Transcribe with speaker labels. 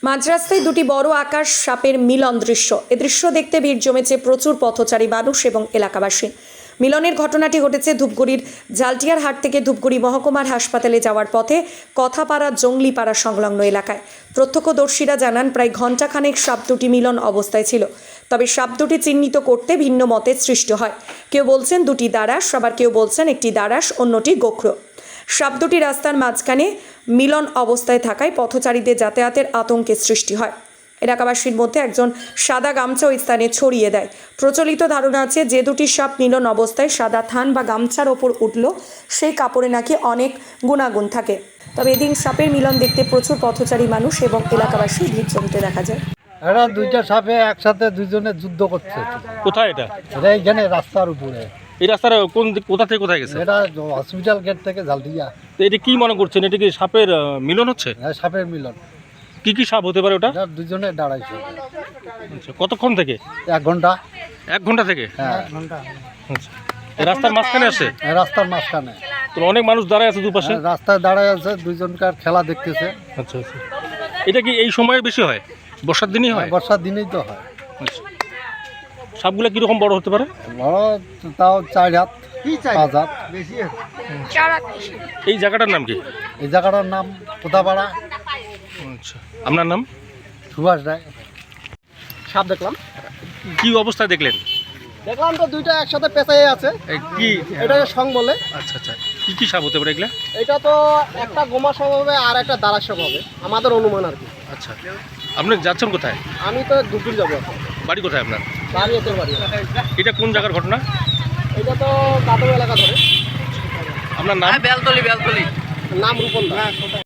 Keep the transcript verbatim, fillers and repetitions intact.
Speaker 1: মাঝরাস্তায় দুটি বড় আকাশ সাপের মিলন দৃশ্য। এ দৃশ্য দেখতে ভিড় জমেছে প্রচুর পথচারী মানুষ এবং এলাকাবাসী। মিলনের ঘটনাটি ঘটেছে ধূপগুড়ির জালটিয়ার হাট থেকে ধূপগুড়ি মহকুমার হাসপাতালে যাওয়ার পথে কথাপাড়া জঙ্গলিপাড়া সংলগ্ন এলাকায়। প্রত্যক্ষদর্শীরা জানান প্রায় ঘণ্টাখানেক সাপ দুটি মিলন অবস্থায় ছিল। তবে সাপ দুটি চিহ্নিত করতে ভিন্ন মতের সৃষ্টি হয়। কেউ বলছেন দুটি দারাস, আবার কেউ বলছেন একটি দারাস, অন্যটি গোখরো। সাপ দুটি রাস্তার মাঝখানে মিলন অবস্থায় থাকায় পথচারীদের যাতায়াতের আতঙ্কের সৃষ্টি হয়। এলাকাবাসীর মধ্যে একজন সাদা গামছা ওই স্থানে ছড়িয়ে দেয়। প্রচলিত ধারণা আছে যে দুটি সাপ মিলন অবস্থায় সাদা থান বা গামছার ওপর উঠল সেই কাপড়ে নাকি অনেক গুণাগুণ থাকে। তবে এদিন সাপের মিলন দেখতে প্রচুর পথচারী মানুষ এবং এলাকাবাসী ভিড় জমতে দেখা যায়।
Speaker 2: এরা দুইটা সাপে একসাথে দুইজনে যুদ্ধ করছে।
Speaker 3: কোথায় এটা?
Speaker 2: এটা এইখানে রাস্তার উপরে।
Speaker 3: এই রাস্তার কোন দিক- কোথা থেকে কোথায় গেছে?
Speaker 2: এটা হসপিটাল গেট থেকে জালদিয়া।
Speaker 3: তো এটা কি মনে করছেন, এটা কি সাপের আহ, মিলন হচ্ছে?
Speaker 2: হ্যাঁ, সাপের মিলন।
Speaker 3: কি কি সাপ হতে পারে ওটা?
Speaker 2: এটা দুজনে দাঁড়াইছে।
Speaker 3: আচ্ছা, কতক্ষণ থেকে?
Speaker 2: এক ঘন্টা।
Speaker 3: এক ঘন্টা থেকে?
Speaker 2: হ্যাঁ,
Speaker 3: আচ্ছা, এই রাস্তার মাঝখানে আসে?
Speaker 2: হ্যাঁ, রাস্তার মাঝখানে।
Speaker 3: তো অনেক মানুষ দাঁড়ায় আছে দুপাশে।
Speaker 2: হ্যাঁ, রাস্তায় দাঁড়ায় আছে, দুইজনকার খেলা দেখতেছে।
Speaker 3: আচ্ছা আচ্ছা, এটা কি এই সময়ে বেশি হয়? বর্ষার দিনই হয়?
Speaker 2: বর্ষার দিনেই তো হয়।
Speaker 3: আচ্ছা, সাপগুলো কিরকম বড় হতে পারে?
Speaker 2: বড় তাও চার হাত পাঁচ হাত।
Speaker 3: এই জায়গাটার নাম কি?
Speaker 2: এই জায়গাটার নাম কোথাপাড়া।
Speaker 3: আচ্ছা, আপনার নাম?
Speaker 2: সুভাষ রায়।
Speaker 4: সাপ দেখলাম
Speaker 3: কি অবস্থায় দেখলেন?
Speaker 4: দেখলাম তো দুইটা একসাথে পেঁচাই আছে।
Speaker 3: এই কি?
Speaker 4: এটা সং বলে।
Speaker 3: আচ্ছা আচ্ছা, কি কি সাপ হতে পারে এগুলা?
Speaker 4: এটা তো একটা গোমা সব হবে আর একটা দাঁড়া সব হবে, আমাদের অনুমান আর কি।
Speaker 3: আচ্ছা, আপনি যাচ্ছেন কোথায়?
Speaker 4: আমি তো দুপুর যাবো এখন।
Speaker 3: বাড়ি কোথায় আপনার?
Speaker 4: বাড়ি এতে বাড়ি।
Speaker 3: এটা কোন জায়গার ঘটনা?
Speaker 4: এটা তো কাদম এলাকা ধরে।
Speaker 3: আপনার নাম?
Speaker 4: নাম রূপন দা।